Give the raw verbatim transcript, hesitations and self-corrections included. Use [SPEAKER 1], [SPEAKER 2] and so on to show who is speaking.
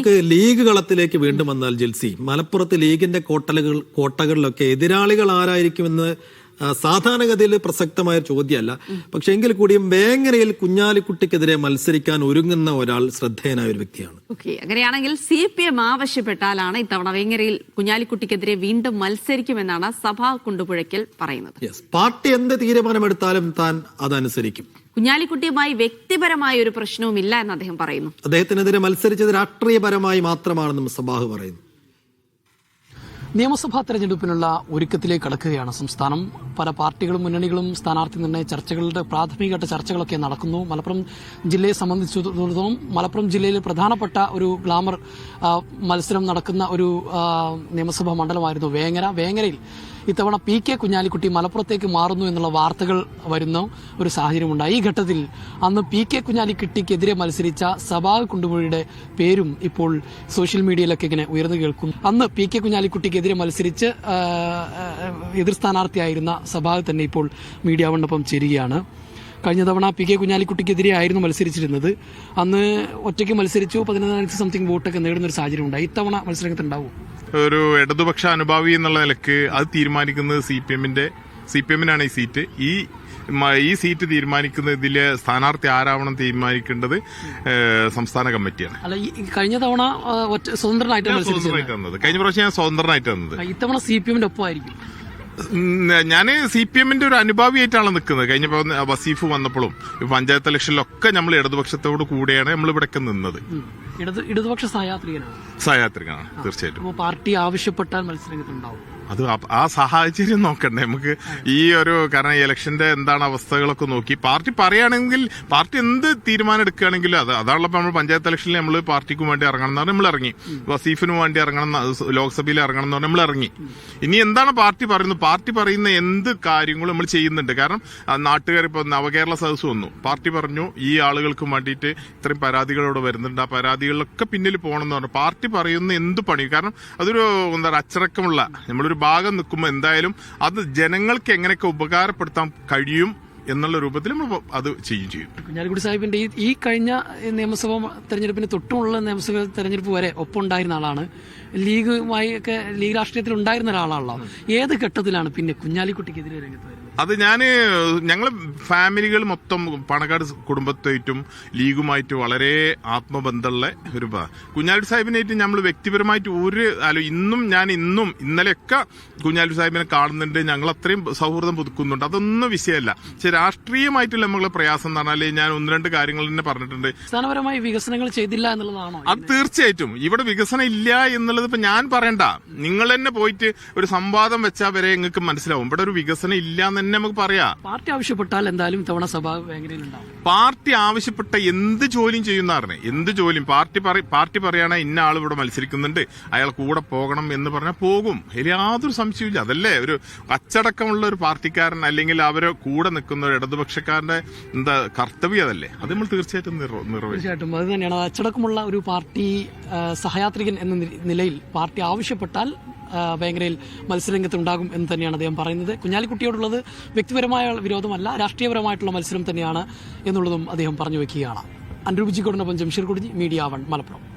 [SPEAKER 1] നമുക്ക് ലീഗ് കളത്തിലേക്ക് വീണ്ടും വന്നാൽ ജിൽസി, മലപ്പുറത്ത് ലീഗിന്റെ കോട്ടലുകൾ കോട്ടകളിലൊക്കെ എതിരാളികൾ ആരായിരിക്കുമെന്ന് സാധാരണഗതിയിൽ പ്രസക്തമായ ചോദ്യമല്ല. പക്ഷെ എങ്കിൽ കൂടിയും വേങ്ങരയിൽ കുഞ്ഞാലിക്കുട്ടിക്കെതിരെ മത്സരിക്കാൻ ഒരുങ്ങുന്ന ഒരാൾ ശ്രദ്ധേയനായ ഒരു വ്യക്തിയാണ്.
[SPEAKER 2] ഓക്കെ, അങ്ങനെയാണെങ്കിൽ സി പി എം ആവശ്യപ്പെട്ടാലാണ് ഇത്തവണ വേങ്ങരയിൽ കുഞ്ഞാലിക്കുട്ടിക്കെതിരെ വീണ്ടും മത്സരിക്കുമെന്നാണ് സഭാ കുണ്ടുപുഴയ്ക്കൽ പറയുന്നത്.
[SPEAKER 1] പാർട്ടി എന്ത് തീരുമാനമെടുത്താലും താൻ അതനുസരിക്കും.
[SPEAKER 2] കുഞ്ഞാലിക്കുട്ടിയുമായി വ്യക്തിപരമായ ഒരു പ്രശ്നവുമില്ല എന്ന് അദ്ദേഹം പറയുന്നു.
[SPEAKER 1] അദ്ദേഹത്തിനെതിരെ മത്സരിച്ചത് രാഷ്ട്രീയപരമായി മാത്രമാണെന്നും സഭാഹ് പറയുന്നു.
[SPEAKER 3] നിയമസഭാ തെരഞ്ഞെടുപ്പിനുള്ള ഒരുക്കത്തിലേക്ക് കടക്കുകയാണ് സംസ്ഥാനം. പല പാർട്ടികളും മുന്നണികളും സ്ഥാനാർത്ഥി നിർണയ ചർച്ചകളുടെ പ്രാഥമികഘട്ട ചർച്ചകളൊക്കെ നടക്കുന്നു. മലപ്പുറം ജില്ലയെ സംബന്ധിച്ചിടത്തോളം മലപ്പുറം ജില്ലയിൽ പ്രധാനപ്പെട്ട ഒരു ഗ്ലാമർ മത്സരം നടക്കുന്ന ഒരു നിയമസഭാ മണ്ഡലമായിരുന്നു വേങ്ങര. വേങ്ങരയിൽ ഇത്തവണ പി കെ കുഞ്ഞാലിക്കുട്ടി മലപ്പുറത്തേക്ക് മാറുന്നു എന്നുള്ള വാർത്തകൾ വരുന്ന ഒരു സാഹചര്യമുണ്ടായി. ഈ ഘട്ടത്തിൽ അന്ന് പി കെ കുഞ്ഞാലിക്കുട്ടിക്കെതിരെ മത്സരിച്ച സഭാഹ് കുണ്ടുപുഴയുടെ പേരും ഇപ്പോൾ സോഷ്യൽ മീഡിയയിലൊക്കെ ഇങ്ങനെ ഉയർന്നു കേൾക്കും. അന്ന് പി കെ കുഞ്ഞാലിക്കുട്ടിക്കെതിരെ മത്സരിച്ച് എതിർ സ്ഥാനാർത്ഥിയായിരുന്ന സഭാഹ് തന്നെ ഇപ്പോൾ മീഡിയ വണ്ണൊപ്പം ചേരുകയാണ്. കഴിഞ്ഞ തവണ പി കെ കുഞ്ഞാലിക്കുട്ടിക്കെതിരെ ആയിരുന്നു മത്സരിച്ചിരുന്നത്. അന്ന് ഒറ്റയ്ക്ക് മത്സരിച്ചു, പതിനൊന്നായിരത്തി സംതിങ് വോട്ടൊക്കെ നേടുന്ന ഒരു സാഹചര്യം ഉണ്ടായി. ഇത്തവണ മത്സരത്തിൽ ഉണ്ടാവും.
[SPEAKER 4] ഒരു ഇടതുപക്ഷ അനുഭാവി എന്നുള്ള നിലക്ക് അത് തീരുമാനിക്കുന്നത് സി പി എമ്മിന്റെ സി പി എമ്മിനാണ് ഈ സീറ്റ്. ഈ ഈ സീറ്റ് തീരുമാനിക്കുന്ന ഇതിലെ സ്ഥാനാർത്ഥി ആരാവണം തീരുമാനിക്കേണ്ടത് സംസ്ഥാന കമ്മിറ്റിയാണ്.
[SPEAKER 3] അല്ല, കഴിഞ്ഞ തവണ സ്വതന്ത്രനായിട്ട്
[SPEAKER 4] വന്നത് കഴിഞ്ഞ പ്രാവശ്യം ഞാൻ സ്വതന്ത്രനായിട്ട് വന്നത്.
[SPEAKER 3] ഇത്തവണ സി പി എമ്മിന്റെ ഒപ്പമായിരിക്കും.
[SPEAKER 4] ഞാൻ സി പി എമ്മിന്റെ ഒരു അനുഭാവിയായിട്ടാണ് നിൽക്കുന്നത്. കഴിഞ്ഞ വസീഫ് വന്നപ്പോഴും പഞ്ചായത്ത് ഇലക്ഷനിലൊക്കെ നമ്മൾ ഇടതുപക്ഷത്തോട് കൂടെയാണ് നമ്മൾ ഇവിടെയൊക്കെ നിന്നത്.
[SPEAKER 3] ഇടതുപക്ഷ സഹയാത്രികനാണ്
[SPEAKER 4] സഹയാത്രികനാണ് തീർച്ചയായിട്ടും.
[SPEAKER 3] പാർട്ടി ആവശ്യപ്പെട്ടാൽ മത്സരങ്ങളുണ്ടാവും.
[SPEAKER 4] അത് ആ സാഹചര്യം നോക്കണ്ടേ നമുക്ക്. ഈ ഒരു കാരണം ഇലക്ഷന്റെ എന്താണ് അവസ്ഥകളൊക്കെ നോക്കി പാർട്ടി പറയുകയാണെങ്കിൽ പാർട്ടി എന്ത് തീരുമാനം എടുക്കുകയാണെങ്കിലും അത് അതാണല്ലോ നമ്മൾ പഞ്ചായത്ത് ഇലക്ഷനിൽ നമ്മൾ പാർട്ടിക്കും വേണ്ടി ഇറങ്ങണം എന്ന് പറഞ്ഞാൽ നമ്മൾ ഇറങ്ങി, വസീഫിനും വേണ്ടി ഇറങ്ങണം, ലോക്സഭയിൽ ഇറങ്ങണം എന്ന് പറഞ്ഞാൽ നമ്മൾ ഇറങ്ങി. ഇനി എന്താണ് പാർട്ടി പറയുന്നത്? പാർട്ടി പറയുന്ന എന്ത് കാര്യങ്ങളും നമ്മൾ ചെയ്യുന്നുണ്ട്. കാരണം നാട്ടുകാർ ഇപ്പൊ നവകേരള സദസ് വന്നു, പാർട്ടി പറഞ്ഞു ഈ ആളുകൾക്ക് വേണ്ടിയിട്ട് ഇത്രയും പരാതികളോട് വരുന്നുണ്ട്, ആ പരാതികളിലൊക്കെ പിന്നിൽ പോകണം എന്ന് പറഞ്ഞു. പാർട്ടി പറയുന്ന എന്ത് പണി, കാരണം അതൊരു എന്താ അച്ചടക്കമുള്ള നമ്മളൊരു ഭാഗം നിൽക്കുമ്പോൾ എന്തായാലും അത് ജനങ്ങൾക്ക് എങ്ങനെയൊക്കെ ഉപകാരപ്പെടുത്താൻ കഴിയും എന്നുള്ള രൂപത്തിൽ നമ്മൾ അത് ചെയ്യും ചെയ്യും.
[SPEAKER 3] കുഞ്ഞാലിക്കുട്ടി സാഹിബിന്റെ ഈ കഴിഞ്ഞ നിയമസഭാ തെരഞ്ഞെടുപ്പിന് തൊട്ടുമുള്ള നിയമസഭാ തെരഞ്ഞെടുപ്പ് വരെ ഒപ്പമുണ്ടായിരുന്ന ആളാണ്. ലീഗുമായി ഒക്കെ ലീഗ് രാഷ്ട്രീയത്തിൽ ഉണ്ടായിരുന്ന ഒരാളാണല്ലോ. ഏത് ഘട്ടത്തിലാണ് പിന്നെ കുഞ്ഞാലിക്കുട്ടിക്കെതിരെ രംഗത്ത് വരുന്നത്?
[SPEAKER 4] അത് ഞാന് ഞങ്ങള് ഫാമിലികൾ മൊത്തം പണക്കാട് കുടുംബത്തായിട്ടും ലീഗുമായിട്ട് വളരെ ആത്മബന്ധമുള്ള ഒരു കുഞ്ഞാലിക്കുട്ടി സാഹിബിനായിട്ട് നമ്മൾ വ്യക്തിപരമായിട്ട് ഒരു അല്ല ഇന്നും ഞാൻ ഇന്നും ഇന്നലെയൊക്കെ കുഞ്ഞാലിക്കുട്ടി സാഹിബിനെ കാണുന്നുണ്ട്. ഞങ്ങൾ അത്രയും സൗഹൃദം പുതുക്കുന്നുണ്ട്. അതൊന്നും വിഷയമല്ല. പക്ഷെ രാഷ്ട്രീയമായിട്ടുള്ള നമ്മളെ പ്രയാസം എന്ന് പറഞ്ഞാല് ഞാൻ ഒന്ന് രണ്ട് കാര്യങ്ങൾ തന്നെ പറഞ്ഞിട്ടുണ്ട്.
[SPEAKER 3] അടിസ്ഥാനപരമായി വികസനങ്ങൾ ചെയ്തില്ല എന്നുള്ളതാണോ?
[SPEAKER 4] അത് തീർച്ചയായിട്ടും ഇവിടെ വികസനം ഇല്ല എന്നുള്ളത് ഇപ്പൊ ഞാൻ പറയണ്ട, നിങ്ങൾ തന്നെ പോയിട്ട് ഒരു സംവാദം വെച്ചാൽ വരെ നിങ്ങൾക്ക് മനസ്സിലാവും ഇവിടെ ഒരു വികസനം ഇല്ല എന്ന് തന്നെ നമുക്ക് പറയാം.
[SPEAKER 3] പാർട്ടി ആവശ്യപ്പെട്ടാൽ എന്തായാലും തവണ സഭ വേങ്ങരയിലുണ്ടാവും.
[SPEAKER 4] പാർട്ടി ആവശ്യപ്പെട്ട എന്ത് ജോലിയും ചെയ്യുന്നതാണ്. എന്ത് ജോലിയും പാർട്ടി പാർട്ടി പറയണ ഇന്ന ആൾ ഇവിടെ മത്സരിക്കുന്നുണ്ട്, അയാൾ കൂടെ പോകണം എന്ന് പറഞ്ഞാൽ പോകും. അതിൽ യാതൊരു സംശയമില്ല. അതല്ലേ ഒരു അച്ചടക്കമുള്ള ഒരു പാർട്ടിക്കാരൻ അല്ലെങ്കിൽ അവരെ കൂടെ നിൽക്കുന്ന ഒരു ഇടതുപക്ഷക്കാരന്റെ എന്താ കർത്തവ്യം അതല്ലേ, അത് നമ്മൾ തീർച്ചയായിട്ടും നിർവഹിക്കും.
[SPEAKER 3] തീർച്ചയായിട്ടും അത് തന്നെയാണ്. അച്ചടക്കമുള്ള ഒരു പാർട്ടി സഹയാത്രികൻ എന്ന നിലയിൽ പാർട്ടി ആവശ്യപ്പെട്ടാൽ വേങ്ങരയിൽ മത്സരരംഗത്തുണ്ടാകും എന്ന് തന്നെയാണ് അദ്ദേഹം പറയുന്നത്. കുഞ്ഞാലിക്കുട്ടിയോടുള്ളത് വ്യക്തിപരമായ വിരോധമല്ല, രാഷ്ട്രീയപരമായിട്ടുള്ള മത്സരം തന്നെയാണ് എന്നുള്ളതും അദ്ദേഹം പറഞ്ഞു വെക്കുകയാണ്. അൻഡ്രു ബിജിക്കോടിനൊപ്പം ജംഷീർ കുടിഞ്ഞി, മീഡിയ വൺ, മലപ്പുറം.